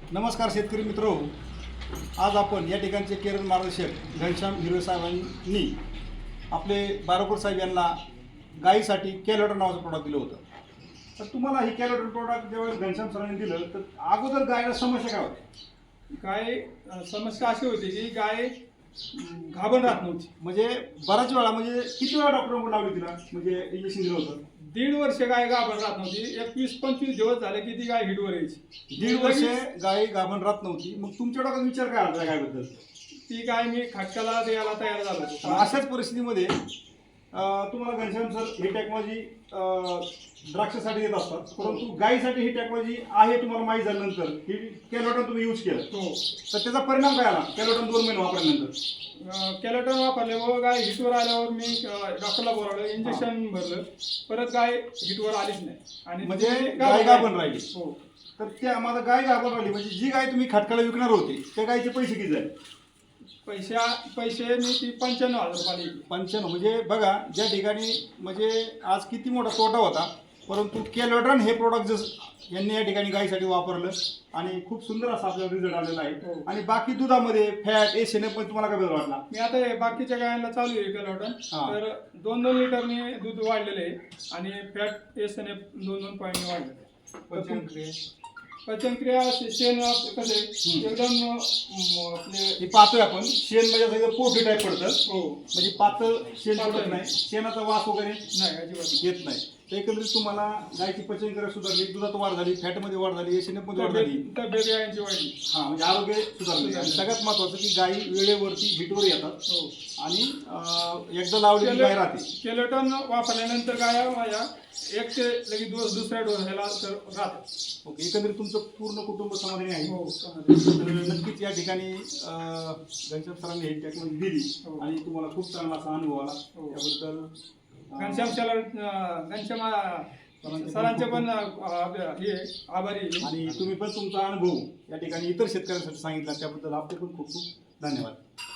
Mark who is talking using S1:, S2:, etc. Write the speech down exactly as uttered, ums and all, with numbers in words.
S1: नमस्कार शेतकरी मित्रो, आज आपण या ठिकाणचे केरळ मार्गदर्शक घनश्याम हिरवे साहेबांनी आपले बारोकर साहेब यांना गायीसाठी कॅलोटर नावाचं प्रोडक्ट दिलं होतं. तर तुम्हाला ही कॅलोटर प्रोडक्ट जेव्हा घनश्याम सरांनी दिलं तर अगोदर गायला समस्या काय होत्या?
S2: गाय अ, समस्या अशी होती की गाय अं, गाभण राहत नव्हती.
S1: म्हणजे बराच वेळा म्हणजे किती वेळा डॉक्टर लावली तिला, म्हणजे इंजेक्शन दिलं होतं?
S2: दीड वर्ष गाय गाभण राहत नव्हती. एकवीस पंचवीस दिवस झाले की ती गाय हिटवर यायची.
S1: दीड वर्ष गाय गाभण राहत नव्हती. मग तुमच्या डोक्यात विचार काय आला गायबद्दल?
S2: ती गाय मी खटकाला द्यायला तयार झालो होतो.
S1: अशाच परिस्थितीमध्ये अं, तुम्हाला घनश्याम सर ही टेक्नॉलॉजी द्राक्षासाठी देत असतात, परंतु गायीसाठी ही टेक्नॉलॉजी आहे तुम्हाला माहीत झाल्यानंतर ही कॅलोटन तुम्ही यूज केलं,
S2: हो.
S1: तर त्याचा परिणाम काय आला? कॅलोटन दोन महिने वापरल्यानंतर
S2: कॅलेटन वापरले व गाय हिटवर आल्यावर मी अ, डॉक्टरला बोलावलं, इंजेक्शन भरलं, परत गाय हिटवर आलीच नाही. आणि
S1: म्हणजे
S2: ती
S1: गाय गाभण राहिली.
S2: हो.
S1: तर त्या माझा गाय गाभण राहिली म्हणजे जी गाय तुम्ही खटकाला विकणार होते त्या गायचे पैसे किती झाले?
S2: पैशा पैसे मी ती पंच्याण्णव हजार रुपये दिली.
S1: पंच्याण्णव. म्हणजे बघा, ज्या ठिकाणी म्हणजे आज किती मोठा तोटा होता, परंतु कॅलोड्रॉन हे प्रोडक्ट जसं यांनी या ठिकाणी गायीसाठी वापरलं आणि खूप सुंदर असा आपल्याला रिझल्ट आलेला आहे.
S2: हो.
S1: आणि बाकी दुधामध्ये फॅट एस एन पण तुम्हाला काय बदल वाटला?
S2: मी आता हे बाकीच्या गायांना चालू आहे कॅलोटन,
S1: हा.
S2: तर दोन दोन लिटरने दूध वाढलेलं आहे आणि फॅट एस एन एफ दोन दोन पॉईंटने वाढलेलं आहे. पचनक्रिया शे- शेण कसं आहे, एकदम अं, आपले
S1: हे पाहतोय आपण शेण म्हणजे असं एकदम पोटी टाईप पडतं,
S2: हो
S1: म्हणजे पातळ शेण
S2: पातळ
S1: पडत नाही, शेणाचा वास वगैरे
S2: नाही अजिबात.
S1: येत नाही. तर एकंदरीत तुम्हाला गायची पचनक्रिया सुधारली, दुधात वाढ झाली, फॅटमध्ये वाढ झाली, एस एन मध्ये वाढ झाली,
S2: तब्येत तब्येत गायांची वाढली.
S1: हा म्हणजे आरोग्य सुधारले. आणि सगळ्यात महत्वाचं की गायी वेळेवरती हिटवर येतात
S2: हो.
S1: आणि अं, एकदा लावलेली गाय राहते.
S2: केलेटन वापरल्यानंतर गाया माझ्या एक ते लगेच दु- दुसऱ्या डोस ह्याला तर राहतात.
S1: ओके, एकंदरीत तुमचं पूर्ण कुटुंब समाधानी आहे.
S2: हो.
S1: तर नक्कीच या ठिकाणी अं, घनश्याम सरांनी ही टेक्नॉलॉजी दिली
S2: हो.
S1: आणि तुम्हाला खूप चांगला असा अनुभव आला.
S2: हो.
S1: त्याबद्दल अं,
S2: घनश्याम शाला घनश्याम अं, सरांचे पण अं, आपल्या हे आभारी आहे.
S1: आणि तुम्ही पण तुमचा अनुभव या ठिकाणी इतर शेतकऱ्यांसाठी सांगितला, त्याबद्दल आपले पण खूप खूप धन्यवाद.